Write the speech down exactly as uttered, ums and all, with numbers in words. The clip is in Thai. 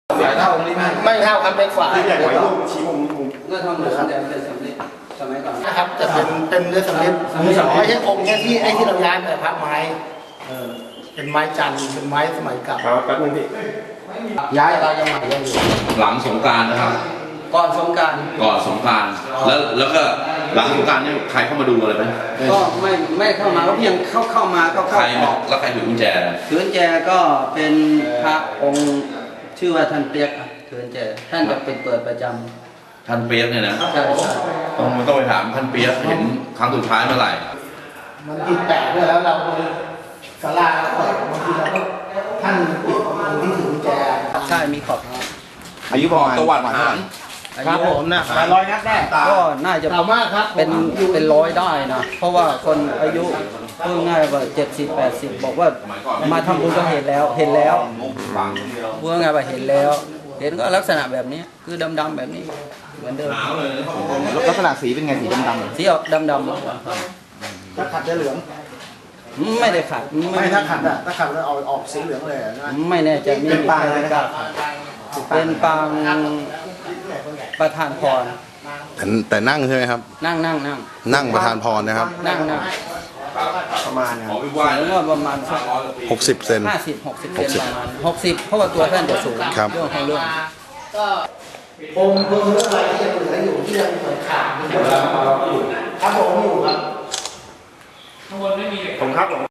สายเท่าองค์นี้ไหมไม่เท่าครับเล็กกว่าที่ใหญ่กว่าลูกชี้มุมมุมเมื่อทำเหมือนแต่เป็นสำลิดสมัยก่อนนะครับจะเป็นเป็นเนื้อสำลิดไม่ใช่องค์เนี้ยที่ไอ้ที่เราย้ายไปพระไม้เออเป็นไม้จันทร์เป็นไม้สมัยเก่าครับแป๊บนึงพี่ย้ายเรายังใหม่ยังอยู่หลังสงกรานต์นะครับก่อนสงกรารก่อนสงกรานต์แล้วแล้วก็หลังสงกรานต์เนี่ยใครเข้ามาดูอะไรไหมก็ไม่ไม่เข้ามาก็เพียงเข้าเข้ามาเข้าใคเข้าร ออกแล้วใครถือกุญแจเถือนแจก็เป็นพระองค์ชื่อว่าท่านเปียกครับเถือนแจท่านจะเป็นเปิดประจำท่านเปียกเนี่ยนะใช่ใช่ต้องต้องไปถามท่านเปียกเห็นครั้งสุดท้ายเมื่อไหร่มันติดแปะด้วยแล้วเราศาลาเปิดบางทีเราก็ท่านปิดองค์ที่ถือกุญแจใช่มีขอบอายุประมาณตะวันฐานครับผมนะแปดร้อยนัดแน่ก็น่าจะเก่ามากครับเป็นเป็นร้อยได้นะเพราะว่าคนอายุพูดง่ายว่าเจ็ดสิบแปดสิบบอกว่ามาทำบุญก็เห็นแล้วเห็นแล้วพูดง่ายว่าเห็นแล้ว เห็นก็ลักษณะแบบนี้คือดำๆแบบนี้เหมือนเดิมลักษณะสีเป็นไงสีดำสีออกดำถ้าขัดจะเหลืองๆไม่ได้ขัดไม่ถ้าขัดอะถ้าขัดแล้วออกออกสีเหลืองเลยอะนะไม่แน่ใจมีเป็นปางอะไรนะครับเป็นปางประธานพรแต่แต่นั่งใช่ไหมครับนั่งนั่งนั่งนั่งประธานพรนะครับนั่งนั่งประมาณนะขอไปไหว้แล้วก็ประมาณสักหกสิบเซนห้าสิบหกสิบเซนประมาณหกสิบเพราะว่าตัวท่านจะสูงครับเรื่องของเรื่ององค์เพิ่งเรื่องอะไรที่ยังเหลืออยู่ที่ยังเหมือนขาดอยู่ครับผมอยู่ครับผมครับผม